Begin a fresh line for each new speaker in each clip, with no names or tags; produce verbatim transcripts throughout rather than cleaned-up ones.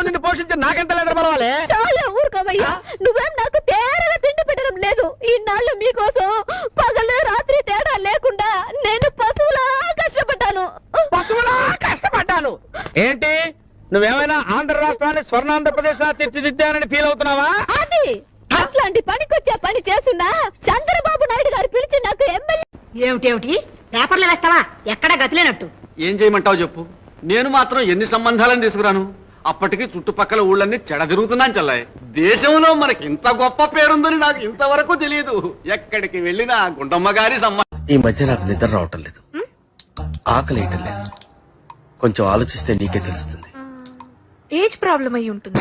నిన్ను పోషించి నాకెంత లేదు బలవాలి.
చాలా ఊరుకోవయ్యా, నువ్వేం నాకు తేరగా తిండి పెట్టడం లేదు. ఇన్నాళ్ళు మీకోసం పగలు రాత్రి తేడా లేకుండా నేను పశువులా కష్టపడ్డాను.
పశువులా కష్టపడ్డాను ఏంటి? నువ్వేమైనా ఆంధ్ర రాష్ట్రాన్ని స్వర్ణాంధ్రప్రదేశ్ లా తీర్చిదిద్దానని ఫీల్ అవుతున్నావా?
అది అట్లాంటి పనికొచ్చే పని చేస్తున్నా చంద్రబాబు నాయుడు గారు పిలిచి నాకు ఎమ్మెల్యే.
ఏమిటేమిటి పేపర్లు వేస్తావా? ఎక్కడా గతిలేనట్టు.
ఏం చేయమంటావు చెప్పు. నేను మాత్రం ఎన్ని సంబంధాలను తీసుకురాను. అప్పటికి చుట్టుపక్కల ఊళ్ళన్నీ చెడ తిరుగుతున్నాను చల్లాయి. దేశంలో మనకి ఇంత గొప్ప పేరుందని నాకు ఇంతవరకు తెలియదు. ఎక్కడికి వెళ్ళినా గుండమ్మ గారి సంబంధం.
ఈ మధ్య నాకు నిద్ర రావటం లేదు, ఆకలి వేయటం లేదు. కొంచెం ఆలోచిస్తే నీకే తెలుస్తుంది.
ఏజ్ ప్రాబ్లం అయి ఉంటుంది.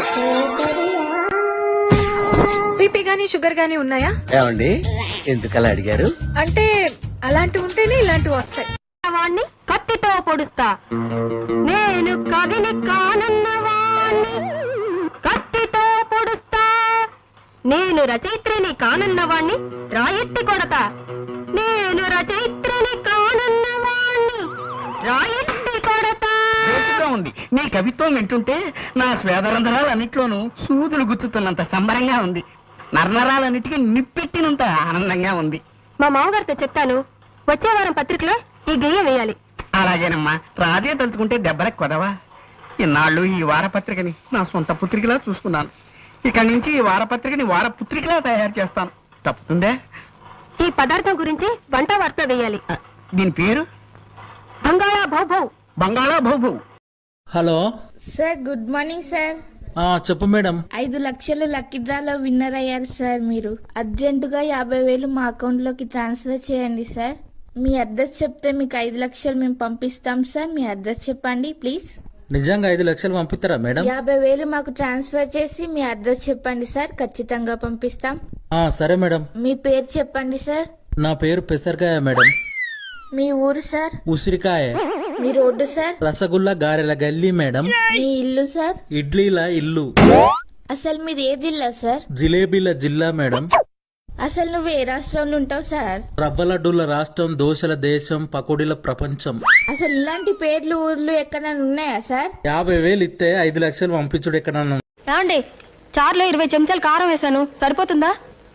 బీపీ గానీ షుగర్ గానీ ఉన్నాయా?
ఏమండి ఎందుకలా అడిగారు?
అంటే అలాంటివి ఉంటేనే ఇలాంటివి వస్తాయి.
వాణ్ణి కత్తితో పొడుస్తా, నేను కవిని కానన్నవాణ్ణి కత్తితో పొడుస్తా, నేను రచయిత్రిని కానన్నవాణ్ణి రాయెత్తి కొడతా, నేను రచయిత్రిని కానన్నవాణ్ణి రాయెత్తి కొడతా.
ఉంది నీ కవిత్వం వింటుంటే నా స్వేదరంధ్రాలన్నిట్లోనూ సూదులు గుచ్చుతున్నంత సంబరంగా ఉంది. నరనరాలన్నిటికీ నిప్పెట్టినంత ఆనందంగా ఉంది.
మా మామగారితో చెప్తాను, వచ్చే వారం పత్రికలో ఈ గెయ్య వేయాలి.
అలాగేనమ్మా, రాజే తలుచుకుంటే దెబ్బలకు కొదవా. ఇన్నాళ్ళు ఈ వారపత్రికని నా సొంత పుత్రికలా చూసుకున్నాను. ఇక్కడి నుంచి ఈ వారపత్రికని వారపుత్రికలా తయారు చేస్తాను. తప్పుతుందే?
ఈ పదార్థం గురించి వంట వార్త వేయాలి.
దీని పేరు
బంగాళా భౌభౌ.
బంగాళా భౌభౌ.
Hello
sir, good morning sir.
ఆ చెప్పు మేడం.
ఐదు లక్షలు లక్కీ డ్రాలో విన్నర్ అయ్యారు సార్. మీరు అర్జెంటుగా యాభై వేలు మా అకౌంట్ లోకి ట్రాన్స్ఫర్ చేయండి సార్. మీ అడ్రస్ చెప్తే మీకు ఐదు లక్షలు మేము పంపిస్తాం సార్. మీ అడ్రస్ చెప్పండి ప్లీజ్.
నిజంగా ఐదు లక్షలు పంపిస్తారా మేడం?
యాభై వేలు మాకు ట్రాన్స్ఫర్ చేసి మీ అడ్రస్ చెప్పండి సార్, ఖచ్చితంగా పంపిస్తాం.
ఆ సరే మేడం.
మీ పేరు చెప్పండి సార్.
నా పేరు పెసరకాయ మేడం.
మీ ఊరు సార్?
ఉసిరికాయ.
మీ రోడ్డు సార్?
రసగుల్లా గారెల గల్లీ మేడం.
మీ ఇల్లు సార్?
ఇడ్లీల ఇల్లు.
అసలు మీది ఏ జిల్లా సార్?
జిలేబీల జిల్లా మేడం.
అసలు నువ్వు ఏ రాష్ట్రంలో ఉంటావు సార్?
రవ్వ లడ్డూల రాష్ట్రం, దోశల దేశం, పకోడీల ప్రపంచం.
అసలు ఇలాంటి పేర్లు ఊర్లు ఎక్కడైనా ఉన్నాయా సార్?
యాభై వేలు ఇస్తే ఐదు లక్షలు పంపించుడు ఎక్కడన్నా.
రాండి, చారులో ఇరవై చెంచాలు కారం వేసాను, సరిపోతుందా?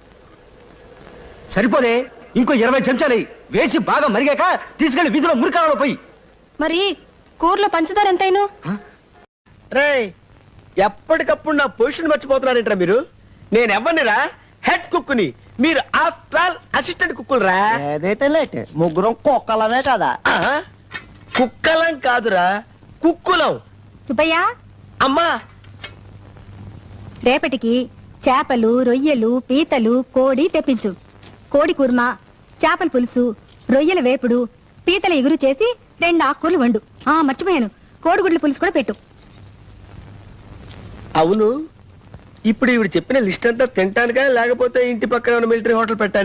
సరిపోదే, ఇంకో ఇరవై చెంచాలు వేసి బాగా మరిగాక తీసుకెళ్లి వీధిలో మురికాలలో పోయి.
మరి కూరలో పంచదార ఎంతైనా?
రే, ఎప్పటికప్పుడు నా పొజిషన్ మర్చిపోతున్నారంటారా మీరు? నేను ఎవరినిరా? హెడ్ కుక్కుని. మీరు ఆఫ్టర్ ఆల్ అసిస్టెంట్ కుక్కులరా.
ఏదైతే లేట్ ముగ్గురం కుక్కలమే కదా.
కుక్కలం కాదురా, కుక్కులం.
సుబ్బయ్య,
అమ్మా,
రేపటికి చేపలు, రొయ్యలు, పీతలు, కోడి తెప్పించు. కోడి కుర్మా, చేపల పులుసు, రొయ్యల వేపుడు, పీతల ఎగురు చేసి రెండు ఆకుకూరలు వండు. ఆ మర్చిపోయాను, కోడిగుడ్ల పులుసు కూడా పెట్టు.
అవును, ఇప్పుడు ఇవి చెప్పిన లిస్ట్ అంతా తింటానుగా, లేకపోతే ఇంటి పక్కన మిలిటరీ హోటల్ పెట్టాను?